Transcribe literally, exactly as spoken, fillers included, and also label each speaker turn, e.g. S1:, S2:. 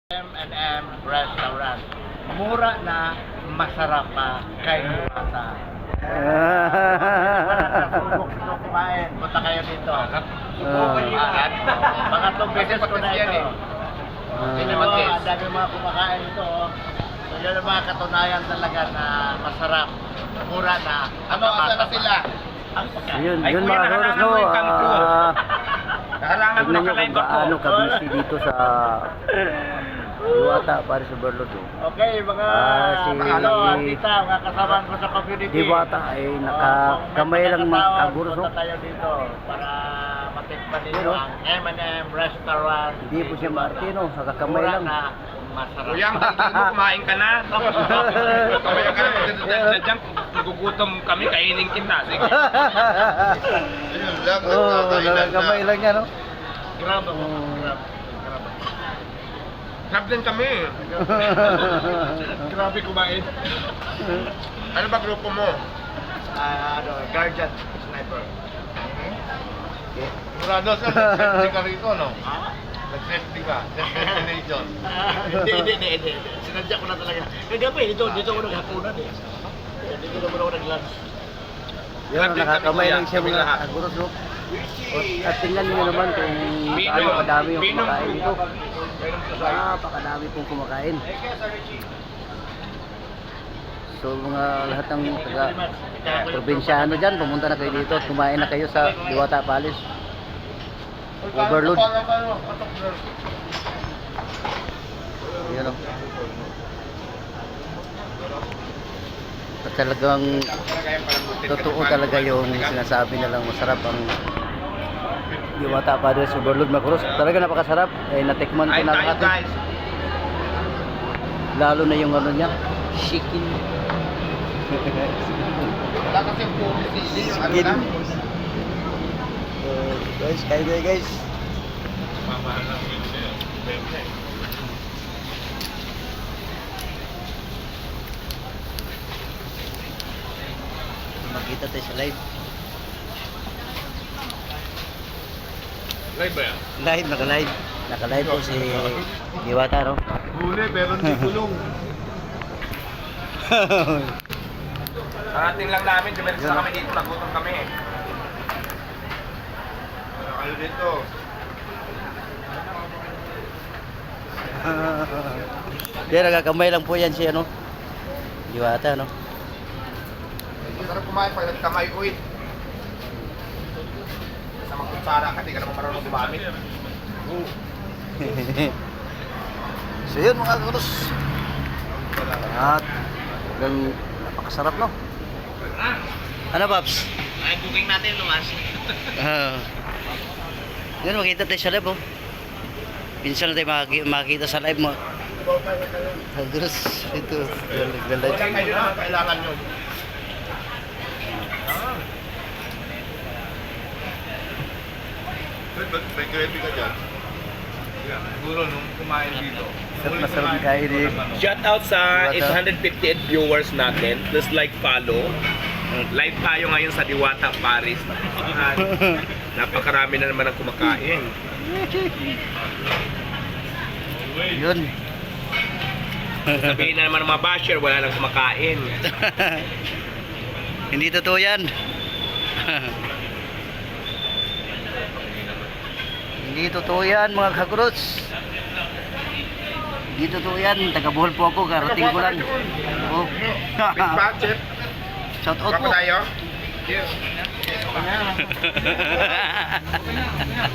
S1: M and M Restaurant. Mura na, masarap pa kay Diwata. Subok nyo kumain. Punta kayo dito. Subok kayo lahat. Pangatlong beses ko na ito. Hindi mo, ang dami mga kumakain ito. So yun ang mga katunayan talaga na masarap. Mura na. Ano, asa na sila?
S2: Yun, yun mga Roros, no? Ah,
S3: Kahalangan mo
S2: tignan
S3: na
S2: nyo
S3: kalay
S2: kung
S3: ba ko?
S2: gaano kabisi dito sa Diwata para sa Overload. Oh.
S1: Okay, mga
S2: Ah, si
S1: ano, tita, mga kasama ko sa community.
S2: Diwata ay nakakamay lang mga kaguros.
S1: Punta
S2: No?
S1: tayo dito para matikpan ninyo
S2: Pero,
S1: ang M and M Restaurant.
S2: Hindi po siya Martino, nakakamay
S1: Mura
S2: lang.
S1: na, masarap.
S3: Kuya, tigil mo, kumain ka na. Kumain ka na. Sadyang nagugutom kami, kainin kita. Sige.
S2: Oo, oh, nakakamay lang yan, no?
S1: Grabe mo.
S2: Oh.
S1: Grabe. Grabe.
S3: Sarap din kami.
S1: Grabe kumain.
S3: Ano ba grupo mo?
S1: Ah, ano, Guardian Sniper.
S3: Murado sa nag-safety ka rito, no?
S1: Ha?
S3: Nag-safety ka. Destination.
S1: Ah, Hindi, hindi, hindi, hindi. Sinadya ko na talaga. Kagabi, dito, dito ako naghapunan eh. Dito naman ako nag-lunch.
S2: Yun, nakakamay lang siya mga
S3: lahat.
S2: kaguros, no? At tingnan niyo naman kung
S3: Pinom.
S2: gaano kadami yung
S3: Pinom.
S2: kumakain dito.
S3: Pinom to sa'yo.
S2: Napakadami pong kumakain. So mga lahat ng taga probinsyano dyan, pumunta na kayo dito at kumain na kayo sa Diwata Palace. Overload. Yan o. At talagang totoo talaga yung sinasabi nilang masarap ang Diwata Palace Overload Macros. Talaga napakasarap. Eh, natikman ko
S3: Ay,
S2: na
S3: tayo
S2: lahat.
S3: guys.
S2: Lalo na yung ano niya, chicken.
S3: Wala kasi puro sili yung ano
S2: Chicken.
S3: lang.
S2: So, guys, kain tayo guys. Makita tayo sa live.
S3: Live ba yan?
S2: Live, naka-live. Naka-live po si Diwata, no?
S1: Huli, pero hindi kulong.
S3: Karating lang namin, dumiretso na kami dito, nagutom kami. Ano kayo dito?
S2: Kaya nakakamay lang po yan si ano? Diwata, no?
S3: Masarap kumain pag nagkamay ko eh. Sa mga kutsara ka, di ka naman marunong gumamit.
S2: So yun mga kuros. At hanggang napakasarap, no? Ano, Paps?
S1: Ay, cooking natin lumas.
S2: Ah. Yun, makita tayo sa live, oh. Pinsan na tayo makiki- makikita sa live mo. Hagros, ito. Nagla-live.
S3: Kaya kayo na, kailangan nyo. May gravy ka dyan? Siguro nung kumain dito.
S2: Sarap na sarap kain eh.
S4: Shout out sa
S2: Diwata.
S4: eight hundred fifty-eight viewers natin. Please like, follow. Live tayo ngayon sa Diwata, Paris. Napaka- Napakarami na naman ang kumakain.
S2: Yun.
S4: Sabihin na naman ng mga basher, wala nang kumakain.
S2: Hindi totoo yan. Hindi totoo yan mga kakurots. Hindi totoo yan. Taga-Bohol po ako. Karating ko lang. Oh.
S3: Big budget.
S2: Shout out
S3: Baka
S2: po.
S3: tayo?